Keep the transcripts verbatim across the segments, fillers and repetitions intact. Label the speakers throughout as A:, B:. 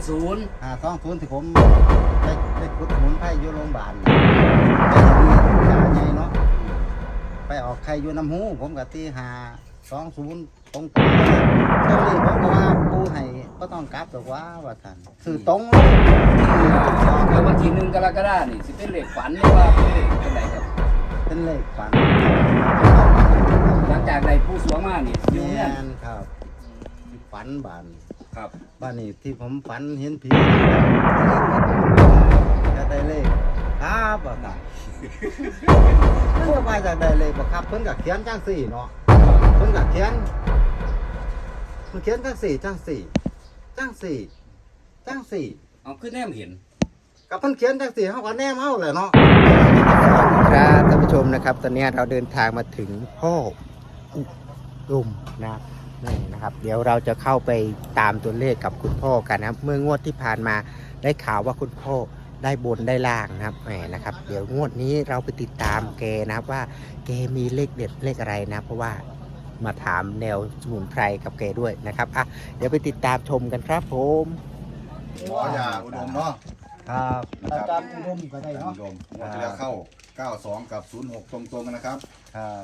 A: ศูนย์
B: ห้าสองศูนย์ที่ผมไปไปขุดสมุนไพรอยู่โรงพยาบาลไปเห็นยาใหญ่เนาะไปออกไข่อยู่น้ำหูผมกับที่ห้าสองศูนย์ตรงตรงเลยเจ้านี่ผมก็ว่าปูให้ก็ต้องกลับหรอกว่าว่าท่านคือตรงเลย
A: แล้ววันที่หนึ่งกรกฎาคมนี่สิเป็นเลขฝันหรือว่าเป็นเลขเป็นไรครับ
B: เป็นเลขฝัน
A: หลังจากใดผู้สวงมานี่อยู่
B: แม
A: เนี่ย
B: นครับฝันบาน
A: ครับ
B: บ้านนี้ที่ผมฝันเห็นผีจะได้เลขครับว่าท่านเพื่อว่าจะได้เลขบ่ครับเพิ่นก็เขียนจังสี่เนาะเพิ่นก็เขียนเพิ่นเขียนจังสี่จังสี่จังสี่จังสี่
A: เอาขึ้นแนมเห็น
B: กับเพิ่นเขียนจังสี่เฮาก็แนมเฮาแหละเนาะครับท่านผู้ชมนะครับตอนนี้เราเดินทางมาถึงพ่ออุดมนะนี่นะครับเดี๋ยวเราจะเข้าไปตามตัวเลขกับคุณพ่อกันนะครับเมื่องวดที่ผ่านมาได้ข่าวว่าคุณพ่อได้บนได้ล่างนะครับแหมนะครับเดี๋ยวงวดนี้เราไปติดตามแกนะครับว่าแกมีเลขเด็ดเลขอะไรนะเพราะว่ามาถามแนวสมุนไพรกับแกด้วยนะครับอ่ะเดี๋ยวไปติดตามชมกันครับผม
C: หมอยาอุดมเนาะ
B: ครับ
C: อาจารย์
B: อุดมก็ได้
C: อาจารย์
B: เนาะ
C: อุดมหมดที่แล้วเข้าเก้าสองกับศูนย์หกตรงๆกันนะครับ
B: ครับ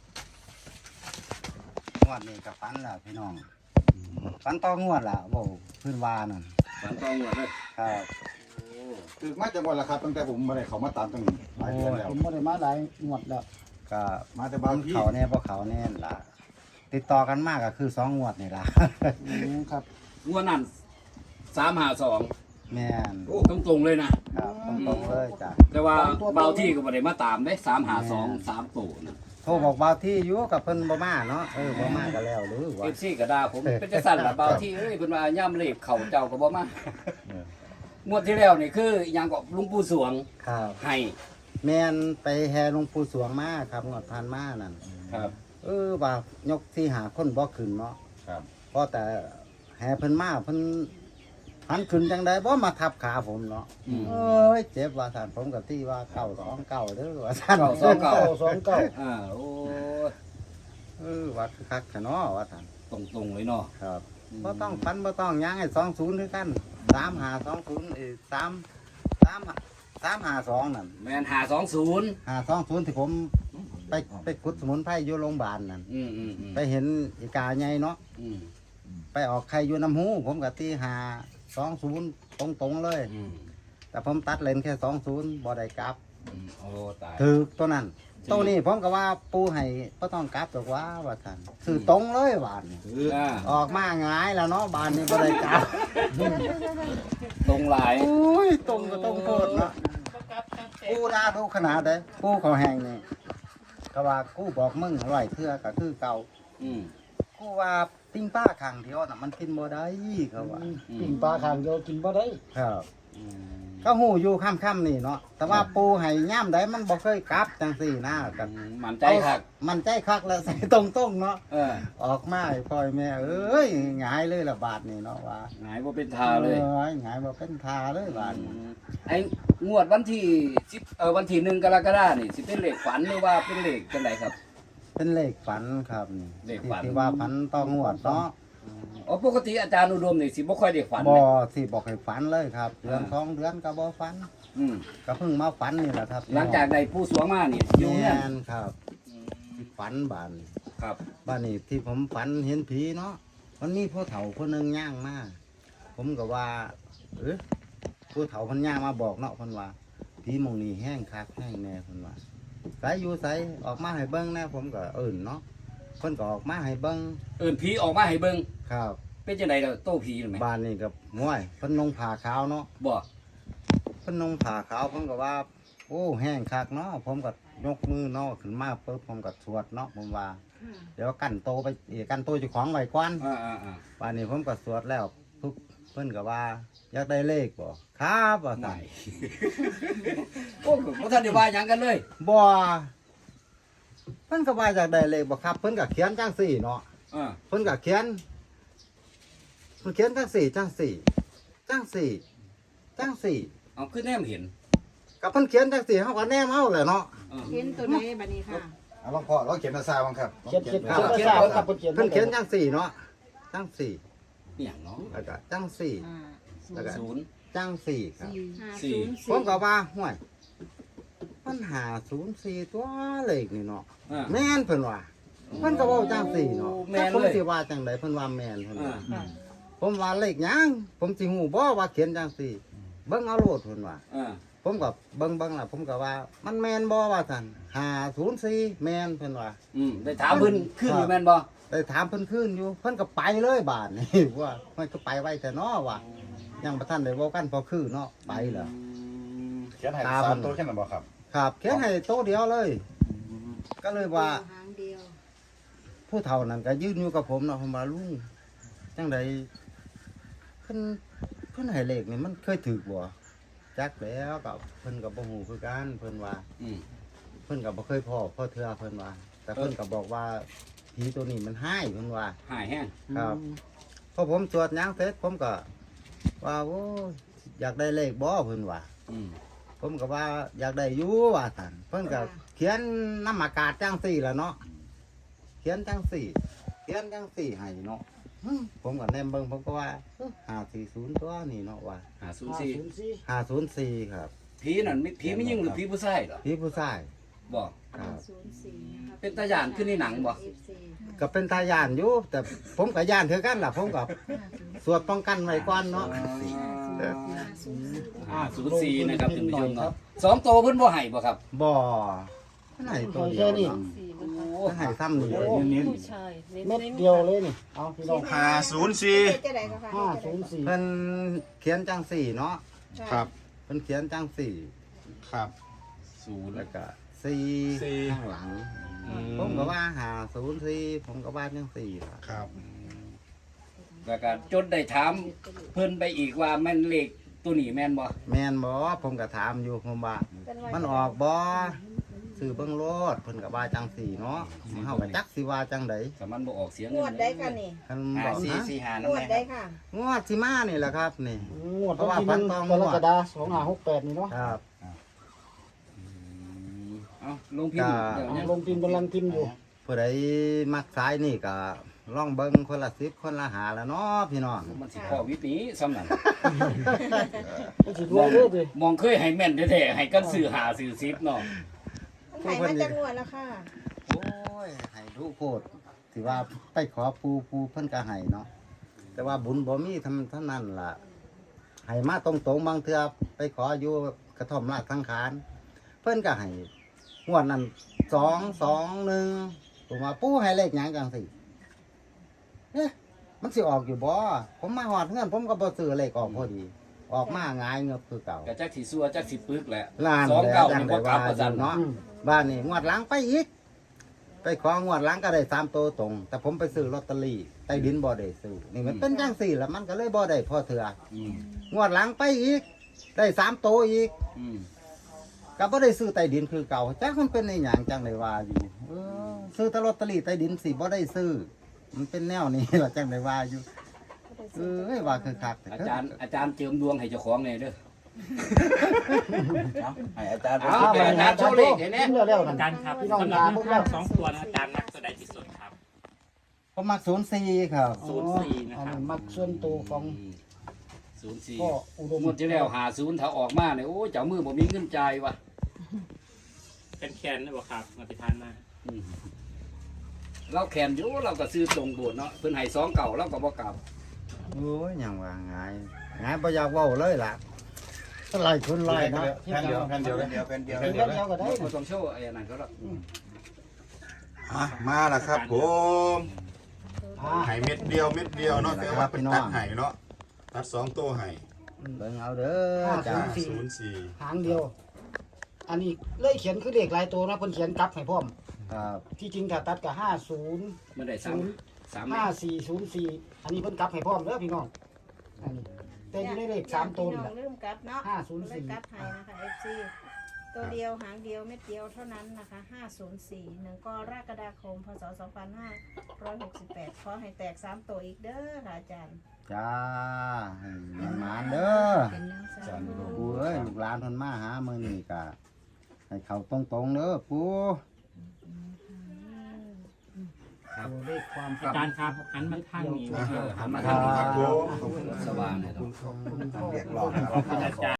B: งวดนี้กับฟันล่ะพี่น้องฟันต่องวดล่ะโว้พื้นวานั่น
A: ฝันต้องหมดเลย
B: ครับ
C: คือมาจากวันละครับตั้งแต่ผมมาได้เขามาตามตั้งหลายเดือนแล้ว
D: ผมไม่ได้มาหลายงวดแล้ว
B: ก็
C: มาแต่
B: บา
C: บาง งที่
B: เขาแน่บ่เขาแน่ล่ะ ติดต่อกันมากก็คือสองงวดนี่ล่ะ
D: อืมครับ
A: งวดนั้นสามหาสอง
B: แม่น
A: โอ้ตรงๆเลยนะครับ
B: ตรงๆเลยจ้ะ
A: แต่ว่าเบาที่ก็บ่ได้มาตามได้สามหาสองสามตัวนะ
B: โทรบอกบ่าวที่อยู่กับเพิ่นบ่มาเนาะเออบ่มาก็แล้วหรือว่า
A: เอฟซีก็ด่าผมเป็นจังซั่นล่ะเบาที่เอ้ยเพิ่นว่าย่ำเลขเข่าเจ้าก็บ่มางวดที่แล้วนี่คือหยังก็หลุงปู่สวง
B: ครับ
A: ให้
B: แม่นไปแห่หลวงปู่สวงมาครับงวดผ่านมานั่น
A: ครับ
B: เออว่ายกที่หาคนบ่ขึ้นเนาะ
C: ครับ
B: เพราะแต่แห่เพิ่นมาเพิ่นหันขึ้นจังไดบ่มาทับขาผมเนาะ
A: อืม
B: เอ้ยเจ็บว่าท่านผมกับที่ว่าเก้าสองเก้าเด้อว่าท่าน
A: เก้าสองเก้า
D: สองเก้า
A: อ่าโอ้ย
B: เออว่าคือคักแท้เนาะว่าท่าน
A: ตรงๆเลยเนาะ
B: ครับบ่ต้องฟันบ่ต้องหยังให้สองศูนย์คือกันสามหาสองศูนย์เอ้สามสามสามหาสองนั่น
A: แม่นหาสองศูนย์
B: หาสองศูนย์ที่ผมไปไปขุดสมุนไพรอยู่โรงพยาบาลนั่น
A: อืมอืมอืม
B: ไปเห็นอีกาใหญ่เนาะ
A: อืม
B: ไปออกไข่อยู่น้ำหูผมกับที่หาสองศูนย์ตรงๆเลย
A: อืม
B: แต่ผมตัดเลนแค่สองศูนย์บ่ได้กลับ
A: อืมโอ้ตาย
B: ถือตัวนั้นตัวนี้ผมก็ว่าปูให้ก็ต้องกลับหรอกว่าว่าท่านคือตรงเลยบานนี่
A: อ่า
B: ออกมาหงายแล้วเนาะบานนี้บ่ได้กลับ
A: ตรงหลาย
B: โอ้ยตรงก็ต้องโทษเนาะปูด่าทุกขนาดเลยปูเขาแหงนี่ก็ว่ากูบอกมึงอร่อยเทื่อก็คือเก่า
A: อืม
B: กูว่าปิ้งป้าข้างเดียวน่ะมันกินบ่ได้เขาว่า
D: ปิ่งปลาขางเดียวกินบ่ได้
B: ครับ
A: อืม
B: ก็หูอยู่ค่ำๆนี่เนาะแต่ว่าปูให้ย่ามใดมันบ่เคยกลับจังสี่นะกัน
A: มันใจคัก
B: มันใจคักแล้วใส่ตรงๆเนาะ
A: เออ
B: ออกมาให้พ่อยแม่เอ้ยหงายเลยละบาทนี่เนาะว่า
A: หงายบ่เป็นทาเลย
B: ออหงายบ่เป็นทาเลยบาทนี่
A: ไอ้งวดวันที่สิบเออวันที่หนึ่งกรกฎาคมนี่สิเป็นเลขฝันหรือว่าเป็นเลขจังไดครับ
B: เป็นเลขฝันครับนี่
A: เลขฝัน
B: ที่ว่าฝันต้องงวดเนาะ
A: อ๋อปกติอาจารย์อุดมนี่สิบ่ค่อยได้ฝัน
B: บ่
A: เลย
B: สิบอกให้ฝันเลยครับเดือน
A: อ่า
B: สองเดือนก็บ่ฝัน
A: อืม
B: ก็เพิ่งมาฝันนี่แหละครับ
A: หลังจากใดผู้สวงมานี่อยู่
B: แม่
A: เนี่ย
B: นครับที่ฝันบานนี่
A: ครับ
B: บ้านนี้ที่ผมฝันเห็นผีเนาะมันมีผู้เฒ่าคนหนึงย่างมาผมก็ว่า เออผู้เฒ่าคนย่างมาบอกเนาะคนว่าผีหมองนี้แห้งคักแห้งแน่คนว่าใสอยู่ใสออกมาให้เบิ้งแน่ผมก็เอิ่นเนาะคนก็ออกมาให้เบิ้ง
A: เอิ้นผีออกมาให้เบิ่ง
B: ครับ
A: เป็นจังไดล่ะโตผีหรือไง
B: บ้านนี้กับง่วยเพิ่นนงผ่าขาวเนาะ
A: บ่
B: เพิ่นนงผ่าขาวผมก็ว่า โอ้แห้งคักเนาะผมก็ยกมือเนาะขึ้นมาปุ๊บผมก็สวดเนาะผมว่า เดี๋ยวกันโตไปเอ่อกันโตเจ้าของไว้ก่อน
A: อ่าอ่าอ่า
B: ป่านนี้ผมก็สวดแล้วทุกเพิ่นก็ว่าอยากได้เลขบ่ครับว่า
A: ไหน
B: ซั่น
A: โอ้บ่ทันได้ว่าหยังกันเลย
B: บ่เพิ่นก็ว่าอยากได้เลขบ่ครับ เพิ่นก็เขียนจังสี่เนาะ
A: อ่า
B: เพิ่นก็เขียนเพิ่นเขียนจังสี่จังสี่จังสี่จังสี่
A: เอาคือแนมเห็น
B: ก็เพิ่นเขียนจังสี่เฮาก็แนมเฮาแหละเนาะ
A: อ่า
E: เห็นตัวไหนบัดนี้ค่ะ
C: เอาลองพ่อเราเขียนภาษาบ้างครับ
D: เขียนเขียน
C: ลอง
D: เขียน
C: เขียน
D: ภาษาครับเพิ่นเขียน
B: เพิ่นเขียนจังสี่เนาะจังสี่
A: อหย่างเนาะ
B: แล้วก็จังสี่
E: อ่า
B: แล้วก็
A: ศูนย์
B: จังสี่ครับ
A: สี่
B: ผมก็ว่าห่วยมันหาศูนย์สี่ตัวเลขนี่เนาะ
A: อ่า
B: แม่นเพิ่นว่าเพิ่นก็เว้าจังสี่เนาะ
A: แม่นเลย
B: ผมสิว่าจังไดเพิ่นว่าแม่นเพิ่น
A: อ่า
B: ว่าผมว่าเลขหยังผมสิฮู้บ่ว่าเขียนจังสี่เบิ่งเอาโลดเพิ่นว่า
A: อ่า
B: ผมก็เบิ่งเบิ่งล่ะผมก็ว่ามันแม่นบ่ว่าซั่นห้าศูนย์สี่แม่นเพิ่นว่า
A: อืมได้ถามเพิ่นขึ้นอยู่แม่นบ่
B: ได้ถามเพิ่นคืนอยู่เพิ่นก็ไปเลยบาดนี่ ว่ามันก็ไปไว้แต่เนาะว่ายังบ่ทันได้เว้ากันพอคือเนาะไปแล้ว
C: เขียนให้สามตัวแค่นั้นบ่ครับ
B: ครับเขียนให้โต๊ะเดียวเลย ก็เลยว่า
E: หางเดียว
B: ผู้เฒ่านั้นก็ยืนอยู่กับผมเนาะผมว่าลุงจังไดเพิ่นเพิ่นให้เลขนี่มันเคยถูกบ่จักแล้วก็เพิ่นก็บ่ฮู้คือกันเพิ่นว่า
A: อืม
B: เพิ่นก็บ่เคยพ้อพ่อเทื่อเพิ่นว่า แต่เพิ่นก็บอกว่าผีตัวนี้มันให้เพิ่นว่า
A: หายแห้ง
B: ครับพอผมสวดหยังเสร็จผมก็ว่าโอ้ยอยากได้เลขบ่เพิ่นว่า
A: อืม
B: ผมก็ว่าอยากได้อยู่ว่าซั่นเพิ่นก็เขียนน้ำอากาศจังสี่ล่ะเนาะเขียนจังสี่ เขียนจังสี่ให้เนาะอืมผมก็แนมเบิ่งผมก็ว่าห้าสี่ศูนย์ตัวนี่เนาะว่า
A: หาศูนย์สี่
B: ห้าศูนย์สี่ครับ
A: ผีนั่นมีผีไม่ยิ่งหรือผีผู้ชายเหรอ
B: พี่ผู้ชาย
A: บอก
B: ครับ
E: ศูนย์สี่นะคะ
A: เป็นตาย่านขึ้นในหนังบ่
E: เอฟซี
B: ก็เป็นตาย่านอยู่ แต่ผมก็ย่านเท่ากันล่ะผมก็สวดป้องกันไว้ก่อนเนาะ
A: ห้าศูนย์สี่นะครับท่านผู้ชมครับสองโตวเพิ่นบ่ให้บ่ครับ
B: บ่ให้ตัวเดียวเนาะ
A: โอ้
B: ให้ซ้ำนี่เลย
C: เน้น
D: เม็ดเดียวเลยนี่เอาพี่น้อง
C: ห้าศูนย์สี่
E: จะได้ก็ค่ะ
D: ห้าศูนย์สี่
B: เพิ่นเขียนจังสี่เนาะ
C: ครับ
B: เพิ่นเขียนจังสี่
C: ครับ
A: ศูนย์
B: แล้วก็สี่
C: สี่
B: ข้างหลัง ผมก็ว่าหาศูนย์สี่ผมก็ว่าจังสี่ล่ะ
C: ครับ
A: แล้วก็จนได้ถามเพิ่นไปอีกว่าแม่นเลขตัวนี้แม่นบ่
B: แม่นบ่ผมก็ถามอยู่ผมว่า มันออกบ่ซื้อเบิ่งโลดเพิ่นก็ว่าจังสี่เนาะเฮาก็จักสิว่าจังได
A: แต่มันบ่ออกเสียง
E: งวดได้ค่ะนี่
B: คันบอกนะ
E: งวดได้ค่ะ
B: งวดสิมานี่แหละครับนี่
D: งวดวันที่หนึ่งกรกฎาคมสองห้าหกแปดนี่เนาะ
B: ครับ
A: เอ้าลงพิมพ์เดี๋ยว
D: เอา
A: นี้
D: ลงพิมพ์กำลังพิมพ์อยู่
B: ผู้ใดมักสายนี่ก็ลองเบิ่งคนละสิบคนละหาละเนาะพี่น้อง
A: มันสิพอวิธีซ้ำนั่น
D: มันสิรวยเลยดิ
A: มองเคยให้แม่นแท้ๆให้กันซื้อหาซื้อซิปเนาะ
E: มันไถมาจากงวดแล้วค่ะ
B: โอ้ยให้ทุกโคตรสิว่าไปขอปูปูเพิ่นก็ให้เนาะแต่ว่าบุญบ่มีทำเท่านั้นล่ะให้มาตรงๆบางเทื่อไปขออยู่กระท่อมราชสังขารเพิ่นก็ให้งวดนั้นสองสองหนึ่งผมว่าปูให้เลขหยังจังสิเอ๊ะมันสิออกอยู่บ่ผมมาหอดเงินผมก็บ่ซื้อเลขออกพอดี ออกมาง่ายเงือบคือเก่า
A: ก็จักสิซัวจักสิปึกแหละ
B: ล้าน
A: สอง
B: แล้ว
A: เก้า
B: จัง
A: นี่
B: ได้
A: บ่กลั
B: ว่า
A: บประ
B: อ
A: จัน
B: ยู่เนาะ
D: อืม
B: บ้านนี่งวดหลังไปอีก ไปของวดหลังก็ได้สามตัวตรง แต่ผมไปซื้อลอตเตอรี่ใต้ดินบ่ได้ซื้อนี่มันเป็นจังสี่แล้วมันก็เลยบ่ได้พอเถื่อ
A: อืม
B: งวดหลังไปอีก ได้สามตัวอีก
A: อืม
B: ก็บ่ได้ซื้อใต้ดินคือเก่าจักมันเป็นในหยังจังได้ว่าอยู่เออซื้อแต่ลอตเตอรี่ใต้ดินสิบ่ได้ซื้อ มันเป็นแนวนี้ ล่ะจังได้ว่าอยู่เอ้ยว่าคือคักแต่
A: อาจารย์อาจารย์เจิมดวงให้เจ้าของแน่เด้อ
C: ให้อาจารย์
A: เอาแต่อาจารย์โชว์เลขให้แน่
D: พิมพ์เร็วๆกัน
F: อาจารย์ครับ
D: พี่น้อง
F: สำหรับ
D: ตา
F: แน
D: พ
F: ว
D: วก
F: ทา
D: เรา
F: งสองตัวนะอาจารย์นักตัวใดที่สุดครับ
B: ผมมักศูนย์สี่ครับ
F: ศูนย์สี่นะ
D: อัน
F: ครับ
D: นี้มักส่วนตัวของ
A: ศูนย์สี่
D: พ่ออุดม
A: งวดที่แล้วหาศูนย์ถ้าออกมาเนี่ยโอ้ยเจ้ามือบ่มีเงินจ่ายวะ
F: เป็นแคนนะบ่ครับมาติทานมา
A: อืมเราแขนอยู่เราก็ซื้อตรงโบสถ์เนาะเพิ่นให้สองเก่าเราก็บ่กลับ
B: โอ้ยหยังว่าง่ายง่ายบ่อยากเว้าเลยล่ะไล่คนไล่เนาะ
C: แผ่นเดียวแผ่นเดียวแผ่นเดียวแผ่นเดียว
D: เดี๋ยวเดียวก็ได้
A: บ่ต้องโชว์ไอ้อันนั้นก็ได้
C: อ่ะมาแล้วครับผม
D: อ่า
C: ไห่เม็ดเดียวเม็ดเดียวเนาะแต่ว่าเป็นตัดไห่เนาะตัดสองตัวไห่
B: เบิ่งเอาเด้อจ้า
C: ห้าศูนย์สี่
D: หางเดียว อันนี้เลยเขียนคือเลขหลายตัวนะเพิ่นเขียนกลับให้พร้อม
B: ครับ
D: ที่จริงถ้าตัดก็ห้าศูนย์
A: มันได้สามสามเม
D: ห้า
A: ตร
D: สี่ศูนย์สี่อันนี้เพิ่นกลับให้พร้อมเด้อพี่น้องอันนี้แต่อยู่ในเลขสามตัว
E: พี่
D: นี่
E: น้
D: แห
E: อง
D: ละ
E: ลืมกลับเนาะ
D: ห้าศูนย์สี่
E: เลยกลับให้นะคะ เอฟ ซี ตัวเดียวหางเดียวเม็ดเดียวเท่านั้นนะคะ ห้าศูนย์สี่ หนึ่งกรกฎาคม พศ สองพันห้าร้อยหกสิบแปด ขอให้แตกสามตัวอีกเด้อค่ะอาจารย์
B: จ้าให้มันหมานเด้อ
E: เป็นแนวสาม
B: ปูเอ้ยลูกหลานเพิ่นมาหามื้อนี้ก็ให้เขาตรงๆเด้อปู
D: ตัวเลขความ
F: อาจารย์ครับหันมาทางนี้
A: เออหันมา
C: ค
A: ทางนี้
C: รับผม
A: สว่างเลยครับ
D: ขอบคุณพ่อ
C: เรียกร้อง
F: ขอบคุณอาจารย์